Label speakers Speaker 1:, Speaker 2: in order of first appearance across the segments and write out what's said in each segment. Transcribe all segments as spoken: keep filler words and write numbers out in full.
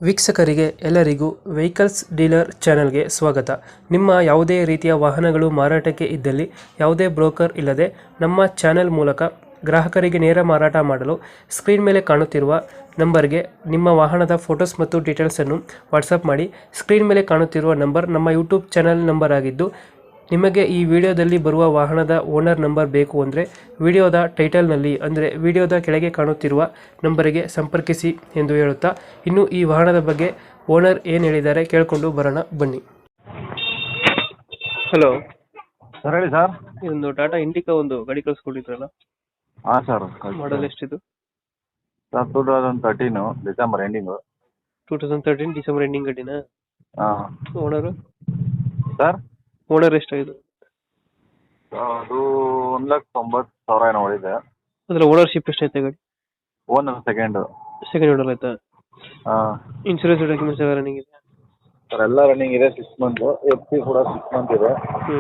Speaker 1: ವೀಕ್ಷಕರಿಗೆ ಎಲ್ಲರಿಗೂ vehicles dealer ಚಾನೆಲ್ಗೆ ಸ್ವಾಗತ. ನಿಮ್ಮ ಯಾವುದೇ ರೀತಿಯ ವಾಹನಗಳು ಮಾರಾಟಕ್ಕೆ ಇದ್ದಲ್ಲಿ ಯಾವುದೇ ಬ್ರೋಕರ್ ಇಲ್ಲದೆ ನಮ್ಮ ಚಾನೆಲ್ ಮೂಲಕ ಗ್ರಾಹಕರಿಗೆ ನೇರ ಮಾರಾಟ ಮಾಡಲು ಸ್ಕ್ರೀನ್ ಮೇಲೆ ಕಾಣುತ್ತಿರುವ ನಂಬರ್ಗೆ ನಿಮ್ಮ ವಾಹನದ ಫೋಟೋಸ್ ಮತ್ತು ಡೀಟೇಲ್ಸನ್ನು ವಾಟ್ಸಪ್ ಮಾಡಿ. ಸ್ಕ್ರೀನ್ ಮೇಲೆ ಕಾಣುತ್ತಿರುವ ನಂಬರ್ ನಮ್ಮ ಯೂಟ್ಯೂಬ್ ಚಾನೆಲ್ ನಂಬರ್ ಆಗಿದ್ದು, ನಿಮಗೆ ಈ ವಿಡಿಯೋದಲ್ಲಿ ಬರುವ ವಾಹನದ ಓನರ್ ನಂಬರ್ ಬೇಕು ಅಂದರೆ ವಿಡಿಯೋದ ಟೈಟಲ್ನಲ್ಲಿ ಅಂದರೆ ವಿಡಿಯೋದ ಕೆಳಗೆ ಕಾಣುತ್ತಿರುವ ನಂಬರಿಗೆ ಸಂಪರ್ಕಿಸಿ ಎಂದು ಹೇಳುತ್ತಾ, ಇನ್ನು ಈ ವಾಹನದ ಬಗ್ಗೆ ಓನರ್ ಏನು ಹೇಳಿದ್ದಾರೆ ಕೇಳಿಕೊಂಡು ಬರೋಣ ಬನ್ನಿ. ಹಲೋ
Speaker 2: ಸರ್, ಹೇಳಿ ಸರ್.
Speaker 1: ಇದೊಂದು ಟಾಟಾ ಇಂಡಿಕಾ ಒಂದು ಗಾಡಿ ಕಳಿಸ್ಕೊಟ್ಟಿದ್ರಲ್ಲ,
Speaker 2: ಹಾಂ ಸರ್.
Speaker 1: ಮಾಡಲ್ ಎಷ್ಟಿದು?
Speaker 2: Sir two thousand thirteen December ending.
Speaker 1: Two thousand thirteen December ending ಗಾಡಿನಾ?
Speaker 2: ಹಾಂ
Speaker 1: ಓನರು
Speaker 2: ಸರ್,
Speaker 1: ಓನರ್ ಎಷ್ಟಾಗಿದೆ?
Speaker 2: ಅದು ಒಂದು ಲಕ್ಷ ತೊಂಬತ್ತು ಸಾವಿರ ಏನೋ ಹೊಡಿದೆ.
Speaker 1: ಅದರ ಓನರ್ಶಿಪ್ ಎಷ್ಟೈತೆ ಗಾಡಿ?
Speaker 2: Owner second.
Speaker 1: ಸೆಕೆಂಡ್ ಓನರ್ ಆಯ್ತಾ?
Speaker 2: ಹಾಂ.
Speaker 1: ಇನ್ಶೂರೆನ್ಸ್ ಡಾಕ್ಯುಮೆಂಟ್ಸ್ ಎಲ್ಲ ರನ್ನಿಂಗ್ ಇದೆ?
Speaker 2: ಸರ್ ಎಲ್ಲ ರನ್ನಿಂಗ್ ಇದೆ. ಸಿಕ್ಸ್ ಮಂತು ಎಫ್ ಸಿ ಕೂಡ ಸಿಕ್ಸ್ ಮಂತ್ ಇದೆ.
Speaker 1: ಹ್ಞೂ.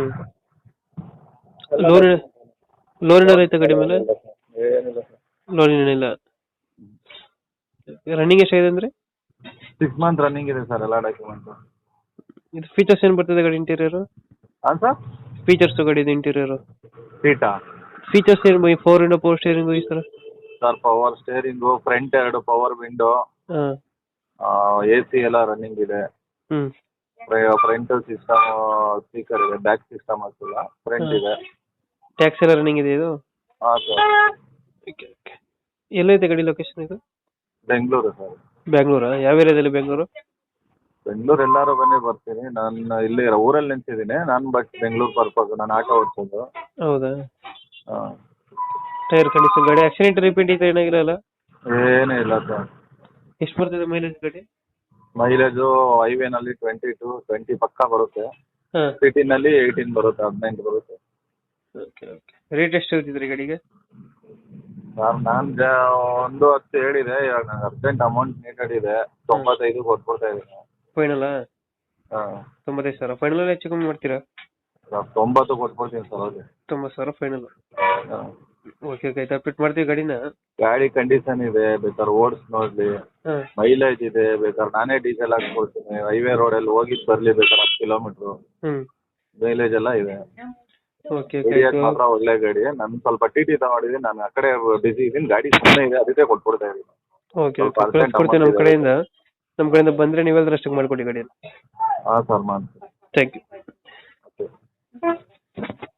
Speaker 1: ಲೋನ್ ಲೋನ್ ಏನಾರು ಐತೆ ಗಾಡಿ ಮೇಲೆ?
Speaker 2: ಏನಿಲ್ಲ ಸರ್,
Speaker 1: ಲೋನ್ ಏನಿಲ್ಲ. ರನ್ನಿಂಗ್ ಎಷ್ಟಾಗಿದೆ ಅಂದರೆ?
Speaker 2: ಸಿಕ್ಸ್ ಮಂತ್ ರನ್ನಿಂಗ್ ಇದೆ ಸರ್ ಎಲ್ಲ ಡಾಕ್ಯುಮೆಂಟು.
Speaker 1: ಇದು ಫೀಚರ್ಸ್ ಏನು ಬರ್ತದೆ ಗಾಡಿ ಇಂಟೀರಿಯರು?
Speaker 2: ಹಾಂ ಸರ್.
Speaker 1: ಫೀಚರ್ಸ್ ಗಾಡಿದು ಇಂಟೀರಿಯರು
Speaker 2: ಸೀಟಾ?
Speaker 1: ಫೀಚರ್ಸ್ ಏನು ಬೈ? ಫೋರ್ ವಿಂಡೋ ಪವರ್ ಸ್ಟೇರಿಂಗು ಈ ಥರ?
Speaker 2: ಸರ್ ಪವರ್ ಸ್ಟೇರಿಂಗು, ಫ್ರಂಟ್ ಎರಡು ಪವರ್ ವಿಂಡೋ,
Speaker 1: ಹಾಂ.
Speaker 2: ಎ ಸಿ ಎಲ್ಲ ರನ್ನಿಂಗ್ ಇದೆ.
Speaker 1: ಹ್ಞೂ.
Speaker 2: ಫ್ರಂಟ್ ಸಿಸ್ಟಮ್ ಸ್ಪೀಕರ್ ಇದೆ, ಬ್ಯಾಕ್ ಸಿಸ್ಟಮ್ ಹಾಕಿಲ್ಲ, ಫ್ರಂಟ್ ಇದೆ.
Speaker 1: ಟ್ಯಾಕ್ಸ್ ಎಲ್ಲ ರನ್ನಿಂಗ್ ಇದೆ ಇದು?
Speaker 2: ಹಾಂ ಸರ್.
Speaker 1: Okay okay. ಎಲ್ಲೈತೆ ಗಾಡಿ ಲೊಕೇಶನ್ ಇದು?
Speaker 2: ಬೆಂಗಳೂರು ಸರ್.
Speaker 1: ಬ್ಯಾಂಗ್ಳೂರಾ? ಯಾವ ಏರಿಯಾದಲ್ಲಿ ಬೆಂಗಳೂರು?
Speaker 2: ಬೆಂಗಳೂರು ಎಲ್ಲಾರು ಬನ್ನಿ ಬರ್ತೀನಿ. ನಾನು ಇಲ್ಲಿ ಊರಲ್ಲಿ ನಿಂತಿದ್ದೀನಿ ನಾನು, ಬಟ್ ಬೆಂಗಳೂರು ಪರ್ಪಸ್ ನಾನು ಆಟೋ ಓಡಿಸೋದು.
Speaker 1: ಹೌದಾ?
Speaker 2: ಹಾಂ.
Speaker 1: ಟೈರ್ ಕಂಡೀಷನ್, ಗಾಡಿ ಆಕ್ಸಿಡೆಂಟ್ ರಿಪೇಂಟ್ ಇದೆ ಏನಾಗಿರಲ್ಲ?
Speaker 2: ಏನೂ ಇಲ್ಲ ಸರ್.
Speaker 1: ಎಷ್ಟು ಬರ್ತದೆ ಮೈಲೇಜ್ ಗಾಡಿ?
Speaker 2: ಮೈಲೇಜು ಹೈವೇನಲ್ಲಿ ಟ್ವೆಂಟಿ ಟು ಟ್ವೆಂಟಿ ಪಕ್ಕ ಬರುತ್ತೆ.
Speaker 1: ಹಾಂ.
Speaker 2: ಸಿಟಿನಲ್ಲಿ ಏಯ್ಟೀನ್ ಬರುತ್ತೆ, ಹದಿನೆಂಟು ಬರುತ್ತೆ.
Speaker 1: Okay okay. ರೇಟ್ ಎಷ್ಟು ಹೇಳ್ತಿದ್ರಿ ಗಾಡಿಗೆ?
Speaker 2: ಸರ್ ನಾನು ಜ ಒಂದು ಹತ್ತು ಹೇಳಿದೆ, ಇವಾಗ ನಂಗೆ ಅರ್ಜೆಂಟ್ ಅಮೌಂಟ್ ನೀಡೆಡ್ ಇದೆ. ತೊಂಬತ್ತೈದು ಕೊಟ್ಬಿಡ್ತಾ ಇದ್ದೀನಿ.
Speaker 1: ಫೈನಲಾ?
Speaker 2: ಹಾಂ.
Speaker 1: ತೊಂಬತ್ತೈದು ಸಾವಿರ ಫೈನಲ್ ಹೆಚ್ಚು ಕಮ್ಮಿ ಮಾಡ್ತೀರಾ?
Speaker 2: ಸರ್ ತೊಂಬತ್ತು ಕೊಟ್ಬಿಡ್ತೀನಿ ಸರ್. ಅವ್ರಿಗೆ
Speaker 1: ತೊಂಬತ್ತು ಸಾವಿರ ಫೈನಲ್.
Speaker 2: ಹಾಂ.
Speaker 1: Okay okay. ಆಯ್ತು, ಅಪ್ಡೇಟ್ ಮಾಡ್ತೀವಿ ಗಾಡಿನ.
Speaker 2: ಗಾಡಿ ಕಂಡೀಷನ್ ಇದೆ, ಬೇಕಾದ್ರೆ ಓಡಿಸಿ ನೋಡಲಿ.
Speaker 1: ಹಾಂ.
Speaker 2: ಮೈಲೇಜ್ ಇದೆ, ಬೇಕಾದ್ರೆ ನಾನೇ ಡೀಸೆಲ್ ಹಾಕ್ಕೊಡ್ತೀನಿ. ಹೈವೇ ರೋಡಲ್ಲಿ ಹೋಗಿದ್ದು ಬರಲಿ, ಬೇಕಾದ್ರೆ ಹತ್ತು ಕಿಲೋಮೀಟ್ರು
Speaker 1: ಹ್ಞೂ.
Speaker 2: ಮೈಲೇಜ್ ಎಲ್ಲ ಇದೆ.
Speaker 1: Okay okay.
Speaker 2: ಹಿಡಿಯೋಕೆ ಮಾತ್ರ ಒಳ್ಳೆ ಗಾಡಿ. ನಾನು ಸ್ವಲ್ಪ ಟಿ ಟಿ ತಗೊಂಡಿದ್ದೀನಿ, ನಾನು ಆ ಕಡೆ ಬಿಸಿ ಇದ್ದೀನಿ. ಗಾಡಿ ಸುಮ್ಮನೆ ಇದೆ, ಅದಕ್ಕೆ ಕೊಟ್ಬಿಡ್ತಾ ಇದ್ದೀನಿ.
Speaker 1: Okay okay. ಕಳಿಸ್ಕೊಡ್ತೀವಿ ನಮ್ಮ ಕಡೆಯಿಂದ. ನಮ್ಮ ಕಡೆಯಿಂದ ಬಂದರೆ ನೀವೆಲ್ಲರೂ ಅಷ್ಟಕ್ಕೆ ಮಾಡಿಕೊಡಿ ಗಾಡಿಯನ್ನು.
Speaker 2: ಹಾಂ ಸರ್, ಮಾಡಿ.
Speaker 1: Thank you.
Speaker 2: ಓಕೆ.